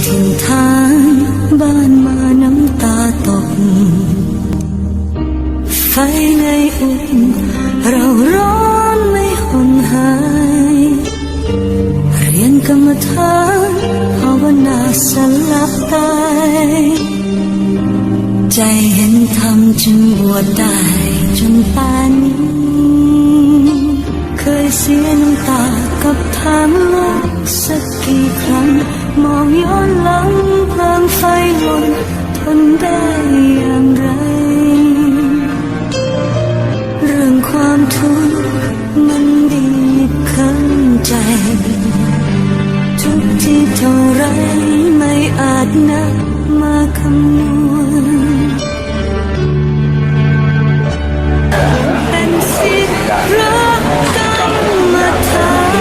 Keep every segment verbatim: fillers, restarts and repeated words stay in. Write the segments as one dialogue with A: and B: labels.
A: ถิ่นฐานบ้านมาน้ำตาตกไฟในอุ่นเราร้อนไม่ห่อนหายเรียนกรรมฐานภาวนาสลับตายใจเห็นธรรมจึงบวชได้จนป่านนี้เคยเสียน้ำตากับทางโลกสักกี่ครั้งมองย้อนหลังเพลิงไฟหล่นทนได้อย่างไรเรื่องความทุกข์มันบีบคั้นใจทุกที่เท่าไรไม่อาจนับมาคำนวณเป็นสิทธิ์รักกันมาทาน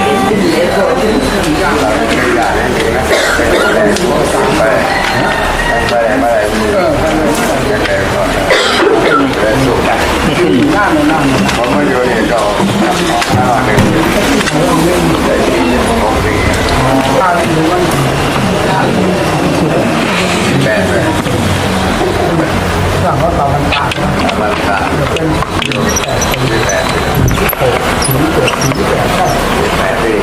B: ผมมาอยู่นี่ก็ห้าหนึ่งได้ที่หกสี่แปดเลยสั่งว่าเรามันต่างมันต่างอยู่ที่แปดหกศูนย์เจ็ดศูนย์แปดใช่แปดปี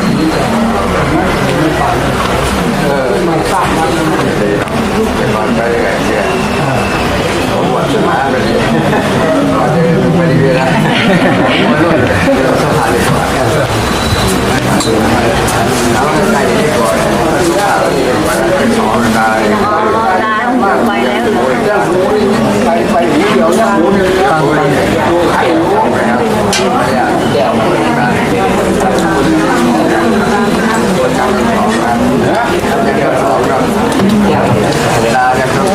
B: เออมันสร้างมันดีเป็นวันไปยังไงเนี่ยผมว่าจะมาเป็นไม่ได้เวลาไม่รู้เราสถานที่ก่อนแล้วใครที่ก่อนเป็นสองนายไปแล้วไปไปเดี๋ยวนะฟังไปดูใครรู้ไหมครับเดี๋ยวมาตัวจำสองนะเดี๋ยวสองครับเวลาจะต้อง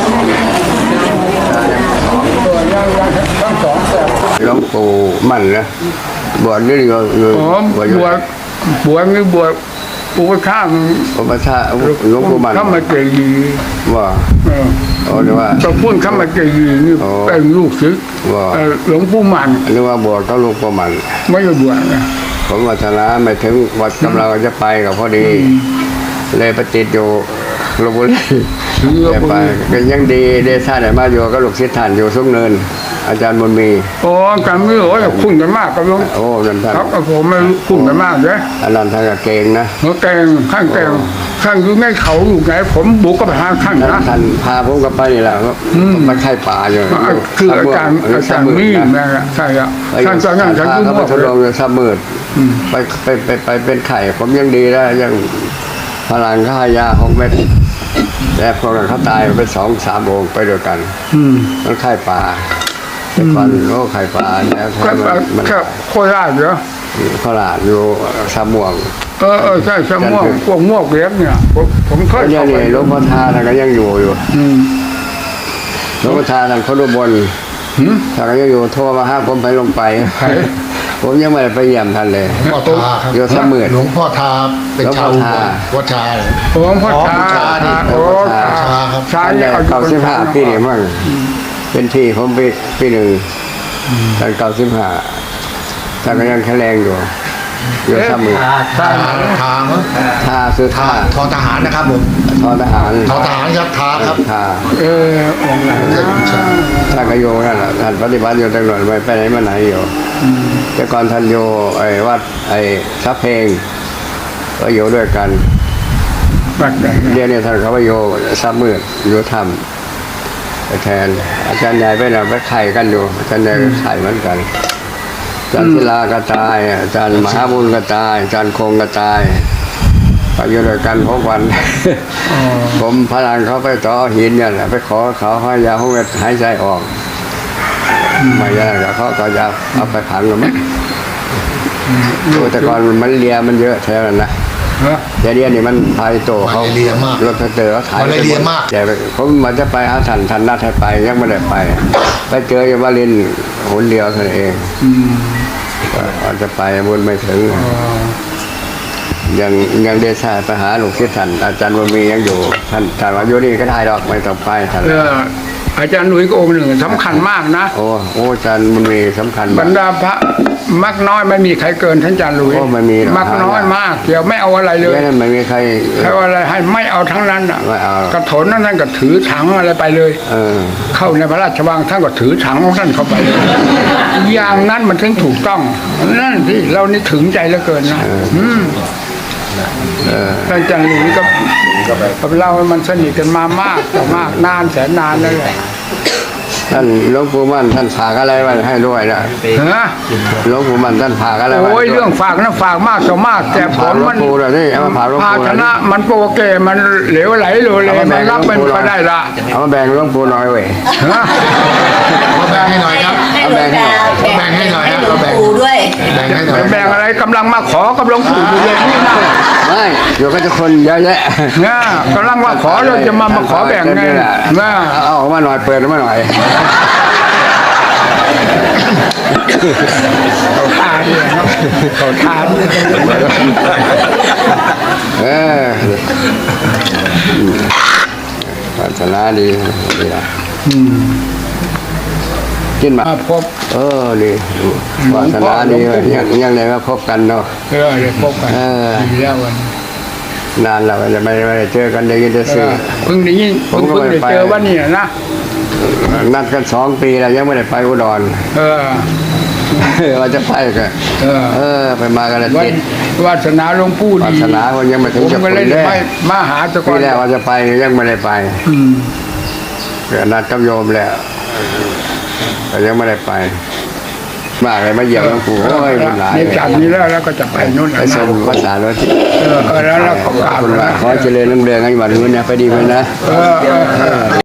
B: หลวงปู่มั่นนะบวชนี่ก็บวชบวชบวชนี่บวชอุปชาอุปชาหลวงปู่มั่นข้ามาเจยีว่าอ๋อหรือว่าตะพุ่นข้ามาเจยีนี่เป็นลูกศิษย์หลวงปู่มั่นหรือว่าบวชก็หลวงปู่มั่นไม่ได้บวชนะผมวัฒนาไม่ถึงวัดกำลังจะไปกับพอดีเลยไปติดอยู่ลพบุรีไปก็ยังดีได้ท่านไหนมาอยู่ก็ลูกศิษย์ท่านอยู่สุกเนินอาจารย์มนมีโอ้การไม่รู้ว่าคุ้นกันมากกับลุงโอ้นั่นท่านครับผมไม่คุ้นกันมากเลยอันนั้นท่านก็เก่งนะเขาเก่งข้างเก่งข้างอยู่ในเขาอยู่ไงผมบุกก็ไปหาข้างนะท่านพาผมกับไปนี่แหละมาไข่ป่าอยู่คืออาจารย์อาจารย์มีนะใช่ครับท่านจะนั่งท่านยุ่งมากเลยทดลองเลยสมืดไปไปไปไปเป็นไข่ผมยังดีแล้วยังพลังข้ายาหกเม็ดแต่พอกันเขาตายไปสองสามองค์ไปด้วยกันมันไข่ป่าแต่ก่อนโอ้ไข่ปลาเนี่ยมันโคราชเหรอโคราชอยู่สามม่วงเออเออใช่สามม่วงพวกม่วงเล็กเนี่ยผมผมเคยยังนี่หลวงพ่อทาท่านก็ยังอยู่อยู่หลวงพ่อทาท่านเขาดูบนท่านก็ยังอยู่โทรมาห้าผมไปลงไปผมยังไม่ได้ไปเยี่ยมท่านเลยหลวงพ่อทาอยู่สมืดหลวงพ่อทาเป็นชาววัดชาหลวงพ่อทาโอ้ชาครับชาเนี่ยเก้าสิบห้าปีนี่มั่งเป็นที่ผมปีปีหนึ่งตอนเก้าสิบห้าท่านก็ยังแข็งแรงอยู่อยู่สมือทาทาทาคือทาทอทหารนะครับผมทอทหารทอทหารครับทาครับทาเออองค์ไหนท่านก็โยนั่นแหละท่านปฏิบัติอยู่ตลอดไปไปไหนมาไหนอยู่แต่ก่อนท่านโยไอ้วัดไอ้ซับเพลงก็โยด้วยกันเรียนเนี่ยท่านเขาไปโยซับมืดโยธรรมแทนอาจารย์ใหญ่ไปน่ะไปไข่กันอยู่อาจารย์ใหญ่ไข่เหมือนกันอาจารย์ศิลาก็ตายอาจารย์มหาบุญก็ตายอาจารย์คงก็ตายไปอยู่ด้วยกันพบวันผมพลังเขาไปต่อหินเนี่ยไปขอเขาให้ยาห้องหายใจออกไม่ยากเขาก็จะเอาไปผังกันมั้งแต่ก่อนมันเลียมันเยอะแถวนั้นนะเดี๋ยวนี้นี่มันพายโตเขารถเตอร์เขาถ่ายไปหมดแต่ผมมันจะไปหาทันทันนัดให้ไปยังไม่ได้ไปไปเจออยู่วารินหนเดียวเท่านั้นเองอาจจะไปบุญไม่ถึงยังยังได้ทราบไปหาหลวงศิษย์ท่านอาจารย์วันมียังอยู่ท่านท่านว่าอยู่นี่ก็ได้ดอกไม่ต้องไปท่าน
C: อาจารย์หลุยส์ก็องค์หนึ่งสำคัญมากนะ
B: โอ้โอ้อาจารย์มันมีสำคัญ
C: บรรดาพระมักน้อยไม่มีใครเกินท่านอาจารย์หลุยส์
B: โอ้ไม่มีหรอก
C: มักน้อยมากเกี่ยวไม่เอาอะไรเลย
B: แค่นั้นไม่มีใคร
C: ใครเอาอะไรให้ไม่เอาทั้งนั้นอ่ะ
B: ไม่เอา
C: กระถนนั่นท่านก็ถือถังอะไรไปเลย
B: เออ
C: เข้าในพระราชวังท่านก็ถือถังของท่านเข้าไปเลยอย่างนั้นมันถึงถูกต้องนั่นที่เรานี่ถึงใจเหลือเกินนะอืมท่านอาจารย์หลุยส์ก็กับเรามันสนิทกันมามากแต่มากนานแสนนานแล้วแหละ
B: ท่านหลวงปู่มั่นท่านฝากอะไรไว้ให้ด้วยนะ
C: ฮะ
B: หลวงปู่มั่นท่านฝากอะไรไว้
C: โอ้ยเรื่องฝากนะฝากมากต่อมากแต่ผ
B: ฝาก
C: ล
B: หลว
C: มั
B: ง
C: น
B: ปู่เลยนี่เอามาฝากหลวง
C: ภา
B: ปู่
C: ช
B: เลย
C: นะมันโปรเกมันเหลวไหลโลเลมันรับไม่ค่อยได้ละ
B: เอามาแบ่งหลวงปู่หน่อยเว้ย
C: ฮะ
D: เอาแบ่งให้หน่อยครับ
A: ให้หลวงตา
D: แบ่งให้หน่อย
A: ให้
D: นะ
A: หลวงปู่ด้วย
D: แบ่งให้หน่อย
C: แบ่งอะไรกำลังมาขอกำลังปู่อยู่เลยนี่นะ
B: ไม่เดี๋ยวก็จะคนเยอะแยะ
C: นะกำลังมาขอเราจะมามาขอแบ่งไงนะ
B: เอาออกมาหน่อยเปิดออกมาหน่อย
C: เขาทานเนี่ยเนาะเขาทานเนี่ย
B: เออศาสนาดีดีละกินมา
C: มาพบ
B: เออดีศาสนาดียังยังไงก็พบกันเนาะ
C: เออเดี๋ยวพบกัน
B: เออ
C: ดีแล้ววัน
B: นานแล้วจะไม่ไม่ได้เจอกันได้ยินแต่
C: เอ
B: สื่อ
C: อเพิ่งได้ยิน
B: ผม
C: เพิ่ง
B: ก็
C: เพิ่ง
B: ไม่
C: ได้
B: ไป
C: เจอวันนี้นะ
B: นัดกันสองปีแล้วยังไม่ได้ไปอุดร
C: เออ
B: ว่าจะไปกัน
C: เออ
B: เออ ไปมากันแล้ว
C: วั
B: ติ
C: น
B: ด
C: วาสนาหลวงปู่
B: วา
C: ดี
B: สนาวันยังไม่ถึ
C: ผ
B: ง
C: ม
B: จะ
C: ก็
B: ไป
C: เลย
B: แน่
C: ไม่มาหาตะกอ
B: ปี
C: น
B: แรกว่าจะไปยังไม่ได้ไป
C: อืม
B: เกิดนัดกับโยมแล้วแต่ยังไม่ได้ไป มาอะไรมาเยี่ยมหลวงปู่โอ้ยมันหลาย
C: นี่จากนี้แล้วแล้วก็จะไปนู่น
B: ไปส่งภาษาโรถ
C: เออเออแล้วเราก็กราบ
B: คุณ
C: แล้
B: ว่าว ขอเจริญรุ่งเรืองให้วันนี้นะไปดีไหมนะ
C: เออเออเออ